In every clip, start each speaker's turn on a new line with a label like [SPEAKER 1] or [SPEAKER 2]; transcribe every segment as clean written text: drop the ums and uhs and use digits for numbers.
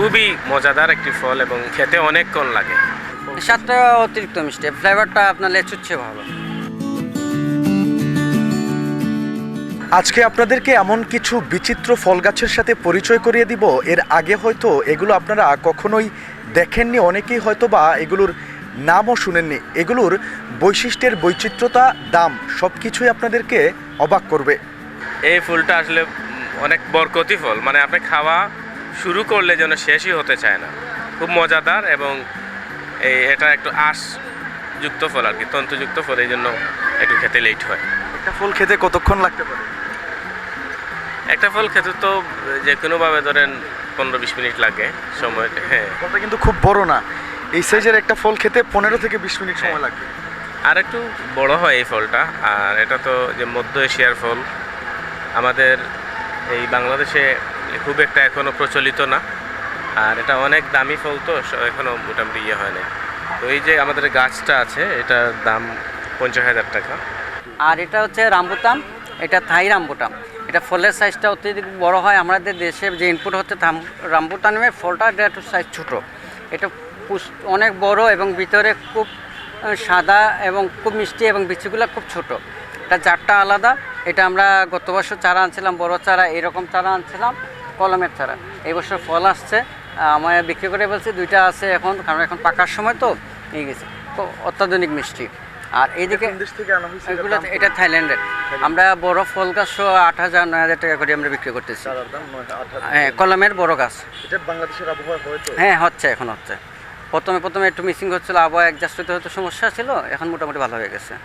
[SPEAKER 1] খুবই মজাদার একটি ফল এবং খেতে অনেকক্ষণ লাগে।
[SPEAKER 2] স্বাদটা অতিরিক্ত মিষ্টি, ফ্লেভারটা আপনার লেচুচ্ছে ভালো।
[SPEAKER 3] আজকে আপনাদেরকে এমন কিছু বিচিত্র ফল গাছের সাথে পরিচয় করিয়ে দিব, এর আগে হয়তো এগুলো আপনারা কখনোই দেখেননি, অনেকেই হয়তো বা এগুলোর নামও শুনেননি। এগুলোর বৈশিষ্ট্যের বৈচিত্র্যতা, দাম সব কিছুই আপনাদেরকে অবাক করবে।
[SPEAKER 1] এই ফুলটা আসলে অনেক বরকতি ফল, মানে আপনি খাওয়া শুরু করলে যেন শেষই হতে চায় না। খুব মজাদার এবং এটা একটু আঁশযুক্ত ফল আর কি, তন্তুযুক্ত ফল, এই জন্য একটু খেতে লেট হয়।
[SPEAKER 3] একটা ফল খেতে কতক্ষণ লাগতে পারে?
[SPEAKER 1] একটা ফল খেতে তো যে কোনোভাবে ধরেন 15-20 মিনিট লাগে সময়। হ্যাঁ,
[SPEAKER 3] ফলটা কিন্তু খুব বড় না, এই সাইজের একটা ফল খেতে 15 থেকে 20 মিনিট সময় লাগবে।
[SPEAKER 1] আর একটু বড় হয় এই ফলটা। আর এটা তো যে মধ্য এশিয়ার ফল, আমাদের এই বাংলাদেশে খুব একটা এখনও প্রচলিত না। আর এটা অনেক দামি ফল, তো এখনও মোটামুটি ইয়ে হয় না। তো এই যে আমাদের গাছটা আছে, এটার দাম 50,000 টাকা।
[SPEAKER 2] আর এটা হচ্ছে রামবুটান, এটা থাই রামবুটান। এটা ফলের সাইজটা অত্যধিক বড় হয়। আমাদের দেশে যে ইনপুট হচ্ছে রামবুটানের ফলটা, এটা একটু সাইজ ছোটো। এটা অনেক বড় এবং ভিতরে খুব সাদা এবং খুব মিষ্টি এবং বিচিগুলো খুব ছোট। এটা জাতটা আলাদা। এটা আমরা গত বছর চারা আনছিলাম, বড় চারা, এরকম চারা আনছিলাম, কলমের চারা। এই বছর ফল আসছে, আমার বিক্রি করে বলছি দুইটা আছে এখন, কারণ এখন পাকার সময় তো নিয়ে গেছে। খুব অত্যাধুনিক মিষ্টি। আর এইদিকে এগুলো, এটা থাইল্যান্ডের। আমরা বড় ফল গাছ 8,000-9,000 টাকা করে আমরা বিক্রি করতেছি। হ্যাঁ, কলমের বড় গাছ। হ্যাঁ, হচ্ছে, এখন হচ্ছে। প্রথমে একটু মিসিং হচ্ছিল, আবহাওয়া অ্যাডজাস্ট হতে হতে সমস্যা ছিল, এখন মোটামুটি ভালো হয়ে গেছে।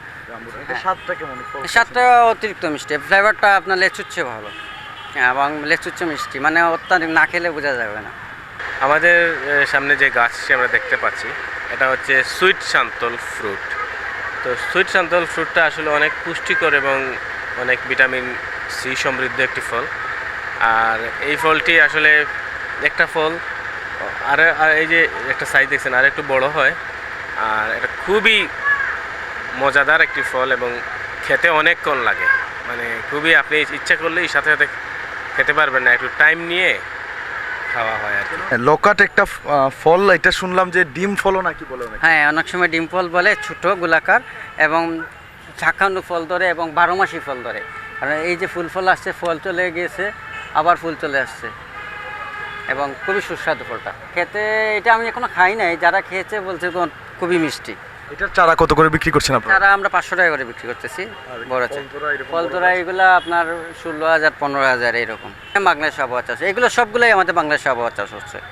[SPEAKER 2] স্বাদটা অতিরিক্ত মিষ্টি, ফ্লেভারটা আপনার লেচুচ্ছে ভালো এবং লেচুচ্ছে মিষ্টি, মানে অত্যাধিক না খেলে বোঝা যাবে না।
[SPEAKER 1] আমাদের সামনে যে গাছটি আমরা দেখতে পাচ্ছি, এটা হচ্ছে সুইট সান্তল ফ্রুট। তো সুইট সান্তল ফ্রুটটা আসলে অনেক পুষ্টিকর এবং অনেক ভিটামিন সি সমৃদ্ধ একটি ফল। আর এই ফলটি আসলে একটা ফল, আর এই যে একটা সাইজ দেখছেন, আর একটু বড় হয়। আর এটা খুবই মজাদার একটি ফল এবং খেতে অনেকক্ষণ লাগে, মানে খুবই, আপনি ইচ্ছা করলেই সাথে সাথে খেতে পারবেন না, একটু টাইম নিয়ে খাওয়া হয় আর কি।
[SPEAKER 3] লকাট একটা ফল, এটা শুনলাম যে ডিম ফলও নাকি বলে?
[SPEAKER 2] হ্যাঁ, অনেক সময় ডিম ফল বলে, ছোট গোলাকার এবং ঝাঁকানো ফল ধরে এবং 12 মাসি ফল ধরে। কারণ এই যে ফল আসছে, ফল চলে গিয়েছে, আবার ফুল চলে আসছে এবং খুবই সুস্বাদু ফলটা খেতে। এটা আমি এখনো খাই নাই, যারা খেয়েছে বলছে তো খুবই মিষ্টি।
[SPEAKER 3] এটার চারা কত করে বিক্রি করছেন আপনারা?
[SPEAKER 2] চারা আমরা 500 টাকা করে বিক্রি করতেছি। বড় ফল তোরা এগুলো আপনার 16,000-15,000 এরকম। বাংলাদেশ আবহাওয়া চাষ, এগুলো সবগুলোই আমাদের বাংলাদেশ আবহাওয়া চাষ হচ্ছে।